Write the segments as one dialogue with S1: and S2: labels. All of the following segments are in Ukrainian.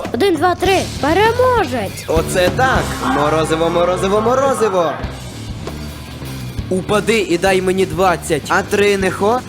S1: 1, 2, 3. Переможець.
S2: Оце так! Морозиво, морозиво, морозиво! Упади і дай мені 20, а 3 не хо?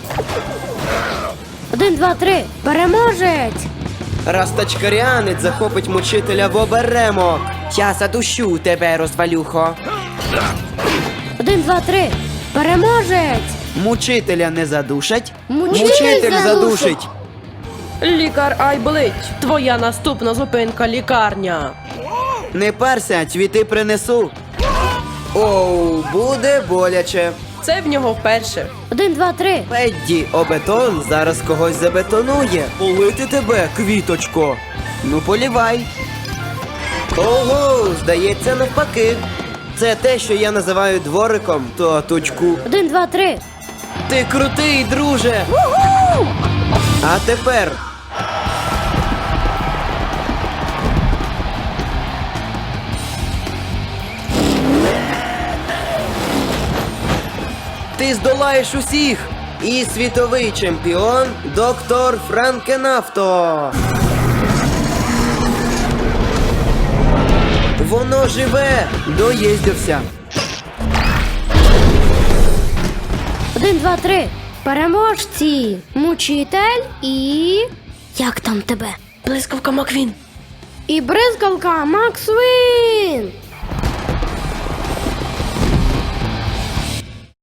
S1: 1, 2, 3. Переможець.
S2: Раз тачкаріанець захопить мучителя в оберемок. Я задушу тебе, розвалюхо.
S1: 1, 2, 3. Переможець.
S2: Мучителя не задушать?
S1: Мучитель
S2: задушить.
S3: Лікар Айблить, твоя наступна зупинка лікарня.
S2: Не парся, цвіти принесу. Оу, буде боляче.
S3: Це в нього вперше.
S1: 1, 2, 3.
S2: Педді, обетон зараз когось забетонує. Полити тебе, квіточко. Ну, полівай. Ого, здається, навпаки. Це те, що я називаю двориком, таточку.
S1: 1, 2, 3.
S2: Ти крутий, друже. А тепер. Ти здолаєш усіх! І світовий чемпіон доктор Франкенавто! Воно живе! Доїздився!
S1: 1, 2, 3. Переможці. Мучитель і... Як там тебе?
S3: Блискавка Маквін.
S1: І бризкалка Максвін.